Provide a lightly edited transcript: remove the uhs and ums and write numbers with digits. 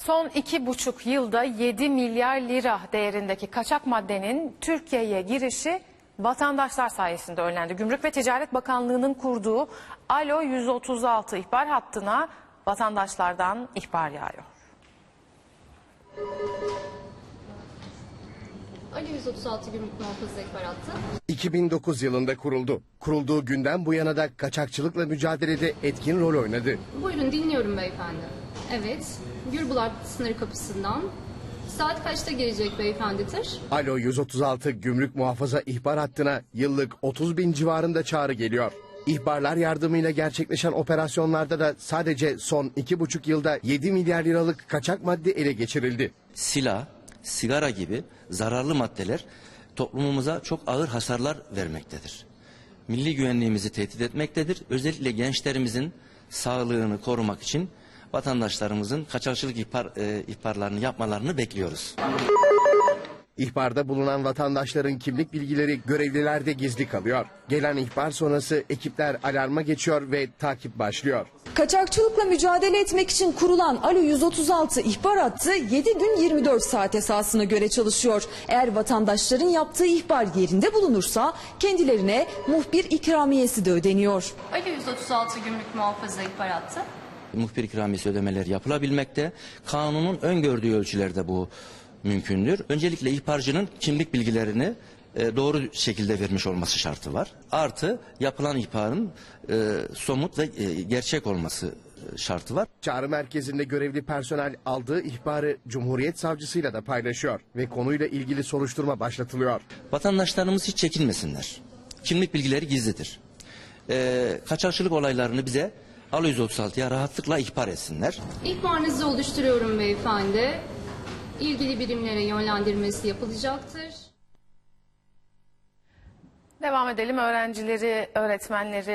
Son 2,5 yılda 7 milyar lira değerindeki kaçak maddenin Türkiye'ye girişi vatandaşlar sayesinde önlendi. Gümrük ve Ticaret Bakanlığı'nın kurduğu Alo 136 ihbar hattına vatandaşlardan ihbar yağıyor. Alo 136 Gümrük Muhafaza İhbar Hattı. 2009 yılında kuruldu. Kurulduğu günden bu yana da kaçakçılıkla mücadelede etkin rol oynadı. Buyurun, dinliyorum beyefendi. Evet, Gürbulak sınır kapısından. Saat kaçta gelecek beyefendidir? Alo 136 Gümrük Muhafaza İhbar Hattı'na yıllık 30 bin civarında çağrı geliyor. İhbarlar yardımıyla gerçekleşen operasyonlarda da sadece son 2,5 yılda 7 milyar liralık kaçak madde ele geçirildi. Silah, sigara gibi zararlı maddeler toplumumuza çok ağır hasarlar vermektedir. Milli güvenliğimizi tehdit etmektedir. Özellikle gençlerimizin sağlığını korumak için vatandaşlarımızın kaçakçılık ihbarlarını yapmalarını bekliyoruz. İhbarda bulunan vatandaşların kimlik bilgileri görevlilerde gizli kalıyor. Gelen ihbar sonrası ekipler alarma geçiyor ve takip başlıyor. Kaçakçılıkla mücadele etmek için kurulan Alo 136 ihbar hattı 7 gün 24 saat esasına göre çalışıyor. Eğer vatandaşların yaptığı ihbar yerinde bulunursa kendilerine muhbir ikramiyesi de ödeniyor. Alo 136 Gümrük Muhafaza İhbar Hattı. Muhbir ikramiyesi ödemeleri yapılabilmekte. Kanunun öngördüğü ölçülerde bu mümkündür. Öncelikle ihbarcının kimlik bilgilerini doğru şekilde vermiş olması şartı var. Artı yapılan ihbarın somut ve gerçek olması şartı var. Çağrı merkezinde görevli personel aldığı ihbarı Cumhuriyet Savcısıyla da paylaşıyor ve konuyla ilgili soruşturma başlatılıyor. Vatandaşlarımız hiç çekinmesinler. Kimlik bilgileri gizlidir. Kaçakçılık olaylarını bize Alo 136'ya rahatlıkla ihbar etsinler. İhbarınızı oluşturuyorum beyefendi. İlgili birimlere yönlendirmesi yapılacaktır. Devam edelim. Öğrencileri, öğretmenleri